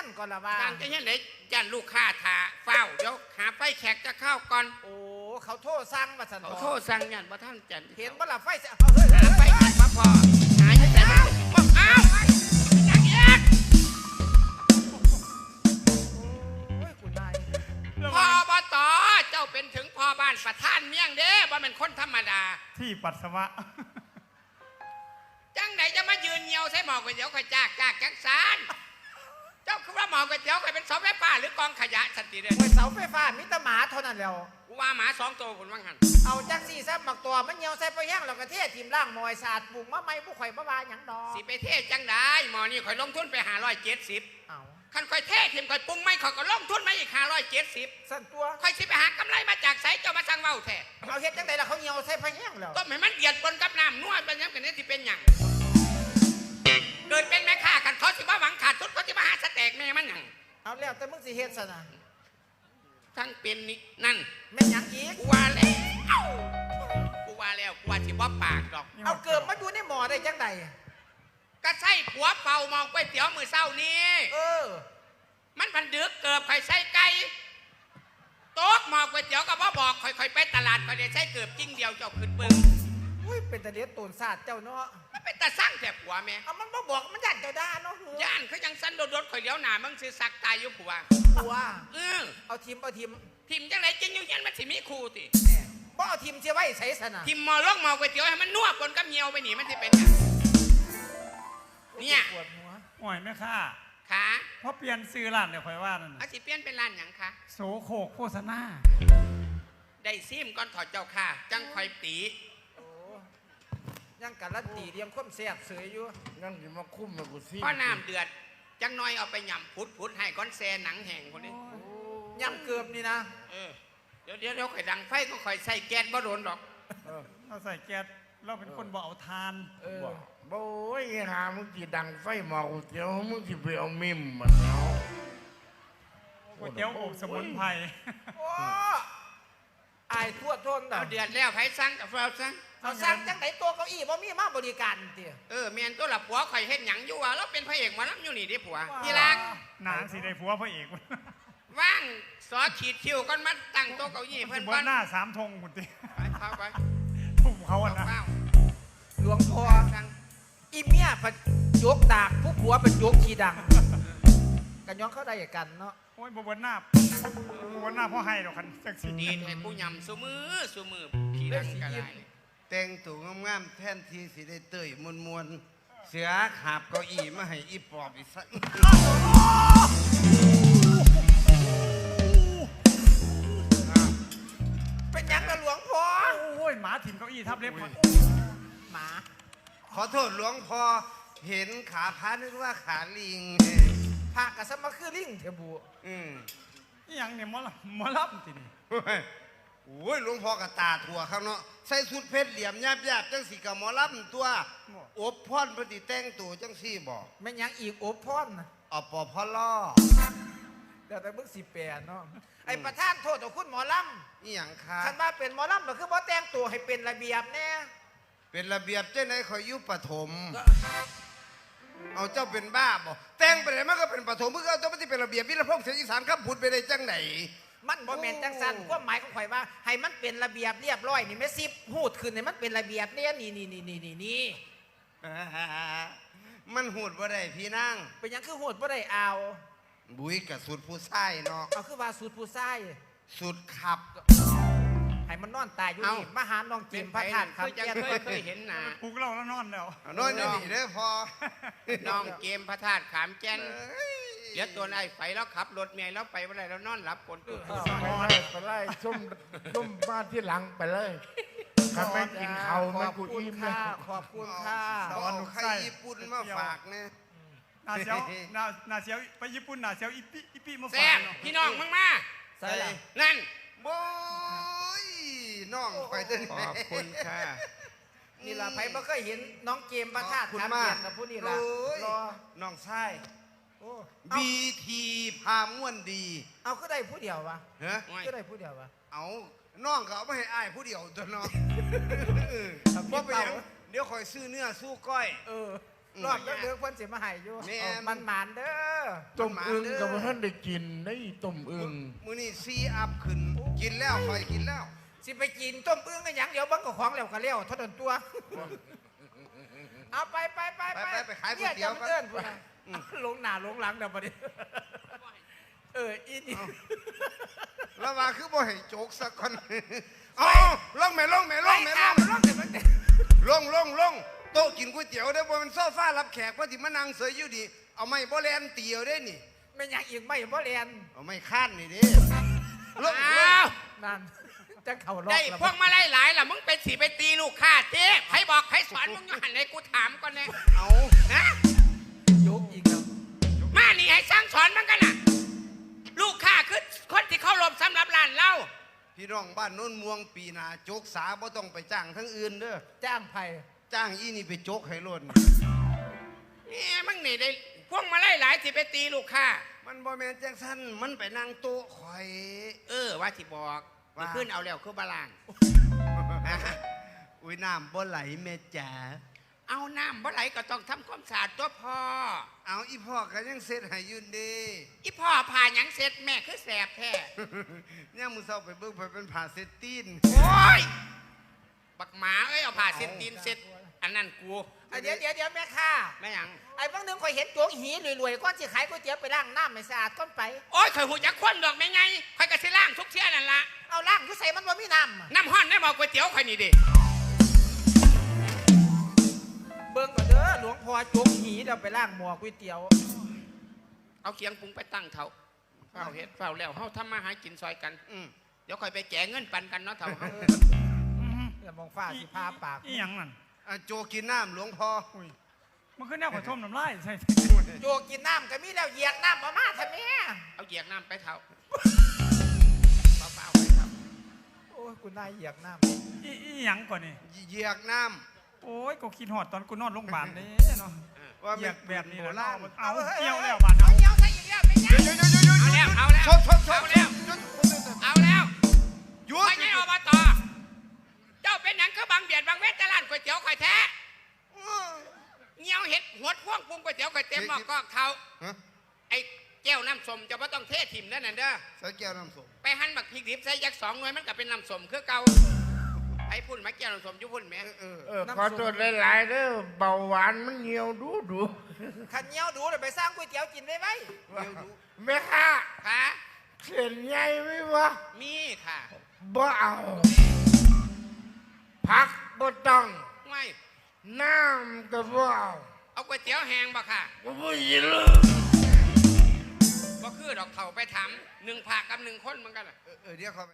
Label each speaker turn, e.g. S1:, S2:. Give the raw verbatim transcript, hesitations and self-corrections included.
S1: นก่อนละว่า
S2: ตั้งใจเฮียนไหนยันลูกค้าถาเฝ้าเดี๋ยวหาไฟแขกจะเข้าก่อน
S1: โอ้เขาโทษสั่งมาสัน
S2: เขาโทษสั่งยันว่าท่านจัน
S1: เห็นว่าละไฟเสีย
S2: หาไฟแขกมาพอหายังไงบอกอ้าวยังเอกพ่อบตเจ้าเป็นถึงพ่อบ้านประธานเมี่ยงเด้ว่าเป็นคนธรรมดา
S3: ที่ปัสสาวะ
S2: จังไหนจะมายืนเงียวใส่หมอกก๋วยเตี๋ยวข่อยจากจากจังสารเจ้าคือว่าหมอกก๋วยเตี๋ยวข่อยเป็นเสาไฟฟ้าหรือกองขยะสันติเด้
S1: อเสาไฟฟ้ามิตรหมาเท่านั้นแล้ว
S2: กูว่าหมาสองตัวคนว่างหัน
S1: เอาจังสี่แซ่บหมักตัวมันเงียวใส่ไปแห้งเรากระเทศทีมล่างมอยศาสตร์ปลูกมะไม้ผู้ข่อยมะวาหยังดอก
S2: สิไปเทศจังได้หมอนี่ข่อยลงทุนไปหาร้อยเจ็ดสิบ
S1: เอา
S2: คันข่อยเทศทีมข่อยปรุงไม่ข่อยก็ลงทุนมาอีกหาร้อยเจ็ดสิบ
S1: สั่นตัว
S2: ข่อยสิไปหากำไรมาจากไสเจ้ามาสั่งเว้าแท้
S1: เอาเฮ็ดจังไดล่ะเขาเงียวใส่ไปแห้งแล้ว
S2: ต้มให้มันเดือดปนกับน้ำนวดเป็นยังกันนี่สิเป็นหยังเกิดเป็นแม่ค้าขันเขาสิว่าหวังขาดทุนเขาสิมาหาสเต็กแม่มันหยัง
S1: เอาแล้วแต่มึงสิเฮ็ดซะนะ
S2: ทั้งเป็นนี่นั่น
S1: แม่หยังอีก
S2: กูว่าแล้วกูว่าแล้วกูว่าสิบ่ปากดอก
S1: เอาเกิดมาอยู่ในหม้อได้จังได
S2: ก็ใส่ผัวเป่ามองก๋วยเตี๋ยวมือเศร้านี้
S1: เออ
S2: มันพันดึกเกิดข่อยใส่ไก่โต๊ะหมอกก๋วยเตี๋ยวก็บ่บอกข่อยๆไปตลาดข่อยได้ใส่เกือบจิ้งเดียวเจ้าขึ้นเบิ่ง
S1: อุ้ยเป็นตะเลียดตูนศาสตร์เจ้าเนาะ
S2: มันเป็นตาสร้างแต่ผัวแม่
S1: เอามันบ่บอกมันยันเจ้าด่าเนาะ
S2: ย่านเขายังสั้นโดดๆข่อยเลี้ยวหน้ามึงสิสักตายอยู่ผัว
S1: ผัว
S2: เออ
S1: เอาทีมเอาทีม
S2: ทีมจังไรจริงอยู่ยันมันสิมีครูติ
S1: บ่เอาทีมเสียไว้ใส่ซะนะ
S2: ทีมหมอลอกหมอก๋วยเตี๋ยวให้มันนัวปนกับเหี่ยวไปหนีมันสิเป็นเนี่ย
S1: ปวดหัว
S3: ห่วยแม่ค่า
S2: ขา
S3: เพราะเปลี่ยนซื้อร้านเดี๋ยวคอยว่านั่น
S2: เอาสิเปลี่ยนเป็นร้านหยังคะ
S3: โสโคกโฆษณา
S2: ได้ซิมก่อนถอดเจ้าค่ะจังคอยตี
S1: ยังการันตีเรียงความแซ่บเสยอยู่
S4: ยังจะมาคุ้มมากูซิ
S2: พ่อน้ำเดือดจังน้อยเอาไปหย่ำพุดพุดให้ก้อนแซ่หนังแห้งคนนี้
S1: ยำเกือบนี่นะ
S2: เออเดี๋ยวเดี๋ยวเดี๋ยวข่อยดังไฟก็ข่อยใส่แก๊สบ่โดนหรอก
S3: เราใส่แก๊สเราเป็นคนบ่เอาทาน
S1: เออ
S4: โอ้ยหามึงจีดังไฟหมอกูเจียวมึงจีไปเอามิมมันเนาะ
S3: ก๋วยเตี๋ยวอบสมุนไพร
S1: โอ้ไอ้ทั่วทน
S2: เอาเดือดแล้วไผสั่งกับเราสั่ง
S1: เขาสั่งจังไหนตัวเก้าอี้บ่มีมาบริการเตี๋ย
S2: เออเมียนตัวละผัวข่อยเฮ็ดหยังอยู่วะแล้วเป็นพระเอกมาล้ำอยู่นี่ดิผัวที่รัก
S3: หนังสีได้ผัวพระเอก
S2: ว่างซอขีดคิวก่อนมาตั้งโต๊ะเก้าอี้เพิ่น
S3: ก่อนหน้าสามธงคุณตี
S2: ไปเข้าไป
S3: ทุ่มเขาอ่ะนะ
S1: หลวงพ่ออีเมียผัดยกดากผู้ผัวเป็นยกขี้ดังกันย้อนเข้าได้กันเนาะ
S3: โอ้ยบนหน้าบนหน้าพ่อให้ดอกคันจักสี
S2: ดีให้ผู้ยำสูมือสูมือขี้ดังกระไร
S4: แต่งตัวงามๆแทนที่สิได้เตยมวนมวนเสือขาบเก้าอี้มาให้อีปอบอีสัก
S1: เป็นยังกระหลวงพ่อ
S3: โอ้ยหมาถิ่มเก้าอี้ทับเล็บ
S1: หมา
S4: ขอโทษหลวงพ่อเห็นขาพระนึกว่าขาลิง
S1: พากระสมาคือลิงเทบู
S4: อืม
S3: อย่างเนี่ยมอลมอลับทีนี่
S4: โอ้ยหลวงพ่อกระตาถั่วข้างเนาะใส่สุดเพชรเหลี่ยมหยาบๆจังสีกับหมอลำตัวอบพรปฏิแต่งตัวจังสี่บอก
S1: ไม่ยังอีกอบพร
S4: อปอพล่อ
S1: เดี๋ยวแต่เพิ่งสิแปดเนาะไอ้ประธานโทษต่อคุณหมอลำ
S4: นี่อย่างค่ะ
S1: ฉันว่าเป็นหมอลำก็คือบ่แต่งตัวให้เป็นระเบียบแน่
S4: เป็นระเบียบเจ้าไหนขอยุปฐมเอาเจ้าเป็นบ้าบ่แต่งไปไหนมันก็เป็นปฐมเมื่อเจ้าไม่ได้เป็นระเบียบวิรพงษ์เสียงอีสานครับพูดไปได้จังไหน
S1: มันบ่แม่นจังสันความหมายของข่อยว่าให้มันเป็นระเบียบเรียบร้อยนี่แม่ซิบหูดขึ้นให้มันเป็นระเบียบเนี่ยนี่นี่นี่นี่นี่นี่
S4: มันหูดบ่ได้พี่นั่ง
S1: เป็นยังคือหูดบ่ได้เอา
S4: บุ้ยกับสุดผู้ชายเนาะ
S1: เอาคือว่าสุดผู้ชาย
S4: สุดขับ
S1: ให้มันนอนตายอยู่นี่มาหาน้องเจมพระธาตุครับ
S2: แกเคยเคยเห็นหนา
S3: ปลุกเราแล้วนอนแล้ว
S4: นอนนี่เด้อพอ
S2: น้องเกมพระธาตุขามแก่นเดี๋ยวตัวไอ้ไฟแล้วขับรถเมียแล้วไปเมื่อไรแล้วนอนหลับคนตื่น
S4: ไปไล่ส้มส้มบ้านที่หลังไปเลยทำไมกินเขาไม่กูอิ่มเลย
S1: ขอบคุณค่ะ
S4: ตอนใครญี่ปุ่นมาฝากเนี่ย
S3: นาเซียวนานาเซียวไปญี่ปุ่นนาเซียวอีปีอีปีมาฝ
S2: ากพี่น้องมึงมา
S1: ใส่
S2: นั่น
S4: โบ้ยน้องไปเต้น
S2: ขอบคุณค่ะ
S1: นี่ล่ะไผ่บ่เคยเห็นน้องเกมพระธาตุขามแก่นกับผู้นี่ล่ะ
S4: รอน้องชายบีทีพาม่วนดี
S1: เอาก็ได้ผู้เดียววะ
S4: ฮะ
S1: ก็ได้ผู้เดียววะ
S4: เอาน้องเขาไม่ให้อ้ายผู้เดียวตัวน้องเพราะไปเดี๋ยวคอยซื้อเนื้อสู้ก้อย
S1: เออรอบแล้วเดือเพิ่นสิมาให้อยู่
S4: แม่น
S1: เอามันหมานเด้อ
S5: ต้มอึ่งกับท่านได้กินได้ต้มอึ่ง
S4: มื้อนี้ซีอัพขึ้นกินแล้วคอยกินแล้ว
S1: สิไปกินต้มอึ่งกันหยังเดี๋ยวเบังก็ของแล้วก็แล้วเท่านั้นตัว เอาไปไปไป
S4: ไปไปไปขายก๋วยเตี๋ยว
S1: กั
S4: กัน
S1: เอิ้นพุ่นน่ะลงหน้าลงหลังเดี๋ยวบัดนี้เอออีนี่
S4: แล้วว่าคือบ่ให้โจกสักคนเอาลงแม่ลงแม่ล
S1: ไล่
S4: งแม่ล
S1: ข้าม
S4: ง
S1: มันลงเดี๋ยวมัน
S4: ลงลงลงโต๊ะกินก๋วยเตี๋ยวเด้อบ่มันโซฟารับแขกว่าที่มานั่งเสยอยู่ดีเอาไม้บ่แลนเตียวเด้นี่
S1: ไม่อยากอีกไม่บ่เรียน
S4: เอาไม้ค้านนี่เด้ลงล
S2: อ้าง ว
S1: นั่นจะเข้ารอบ
S2: ได้
S1: แล้ว
S2: พวกมาไล่หลายล่ะมึงเป็นสีไปตีลูกค้าเจ๊ใครบอกใครสอนมึงอยู่หันเลยกูถามก่อนเลย
S4: เอา
S2: นะ
S1: ยกอีกแล้ว
S2: มานี่ให้สร้างสอนมันกันน่ะ ลูกค้าคือคนที่เข้ารบสำหรับร้านเรา
S4: พี่น้องบ้านโน้นม่วงปีหน้าโจกสาบ่ต้องไปจ้างทั้งอื่นเด้อ
S1: จ้างไผ่
S4: จ้างอีนี่ไปโจกให้ล้น
S2: นี่มึงนี่ได้พวกมาไล่หลายสิไปตีลูกค้า
S4: มันบ่แม่นจังซั่นมันไปนั่งโต๊ะข่อย
S2: เออว่าสิบอก
S4: ว่า
S2: ขึ้นเอาแล้วคือบาลาน
S4: อุ้ยน้ำบ่ไหลแม่จ๋า
S2: เอาน้ำบ่ไหลก็ต้องทำความสะอาดตัวพ่อ
S4: เอาอีพ่อก็ยังเสร็จให้อยืนดี
S2: อีพ่อผ่าหยังเสร็จแม่คือแสบแท้
S4: เนี่ยมือเศร้าไปเบิ่งไปเป็นผ่าเซตตีน
S2: โอ้ยบักหมาเอ้ยเอาผ่าเสร็จตีนเสร็จอันนั้นกู
S1: อ่ะเดี๋ยวเดี๋ยวเดี๋ยวแม่ค้า
S2: แม่หยัง
S1: ไอ้บางนึงคอยเห็นโจกหีรวยๆก้อนสิขายก๋วยเตี๋ยวไปล้างน้ำไม่สะอาดก้อนไป
S2: โอ้ยข่อยหูจักควนดอกไม่ไงข่อยกระสิล่างทุกเที่ยนั่นละ
S1: เอาล้างคือใส่มันว่ามีน้ำอะ
S2: น้ำห้อนได้บอกก๋วยเตี๋ยวข่อยนี่ดิ
S1: เบิ่งก่อนเด้อหลวงพ่อโจกหีเดี๋ยวไปล้างหม้อก๋วยเตี๋ยว
S2: เอาเคียงปรุงไปตั้งเถาเฝ้าเฮ็ดเฝ้าแล้วเฮาทำมาหากินซอยกัน
S4: อืม
S2: เดี๋ยวข่อยไปแจกเงินปันกันเนาะเถาเฮา
S1: เดี๋ยวมองฟ้าสิพาปาก
S3: อีหยังนั่น
S4: อ่ะโจกินน้ำหลวงพ่อ
S3: อุ้ยมันขึ้นแนวขอชมน้ำลายใช่
S1: โจกกินน้ำก็มีแล้วเหยียกน้ำมามาทำไม
S2: เอาเหยียกน้ำไปเถาเฝ้าๆไปเถา
S1: โอ้ยกูนายเหยียกน้
S3: อีอีหยังก่อนนี่
S4: เหยียกน้
S3: โอ้ยก็คิดหอดตอนกูนอนโรงพยาบาลนี่เนาะ
S4: ำว่า
S3: เหยี
S4: เป็
S3: ย
S4: น
S3: กแบบนี้
S4: โบ
S3: แหละ
S4: ราณ
S3: เอาเกี่ยวแล้วบาด
S1: ำเอา
S3: เอา
S1: เหยียวใส่อีกแล้วไม่ยั
S4: เดี๋ยวเดี๋ยวเดี๋ยวเดี๋ยว
S2: เอาแล้วเอาแล้ว
S4: ชบชบชบ
S2: เอาแล้ว เอาแล้ว
S4: หยุ
S2: ข่อ
S4: ด
S2: ยยังอบตเจ้าเป็นหยังคือบางเบียดบางเวทแต่ร้านก๋วยเตี๋ยวข่อยแท้เงี้ยวเห็ดหัวพ่วงปรุงก๋วยเตี๋ยวข่อยเต็มหม้อก็เขา
S4: ฮะ
S2: ไอ้แก้วน้ำส้มจะไม่ต้องเทถิ่มนั่นน่ะเด้อ
S4: ใส่แก้วน้ำส้ม
S2: ไปหั่นบักพริกดิบใส่ยักษ์สองหน่วยมันก็เป็นน้ำส้มคือเก่าไอ้พุ่นมาแก้วน้ำส้มอยุพุ่นแหม่
S4: เออเออ
S5: เออขอโทษหลายๆเด้อเบาหวานมันเหี่ยวดูดู
S1: ขันเหยียวดูเดี๋ยวไปสร้างก๋วยเตี๋ยวกินได้ไหม
S4: เดี๋ยวดู
S5: แม่ค้า
S2: ค่ะ
S5: เส้นใหญ่ไหมวะ
S2: มีค่ะ
S5: บ่เอาผักบ่ต้อง
S2: ไม่
S5: น้ำก็บ่เอา
S2: เอาก๋วยเตี๋ยวแห้งบ่ค่ะ
S5: บ่บ่ยินเลย
S2: บ่คือดอกเข่าไปถามหนึ่งผักกับหนึ่งคนเหมือนกันน่ะ
S4: เออเออเดี๋ยวเขาไป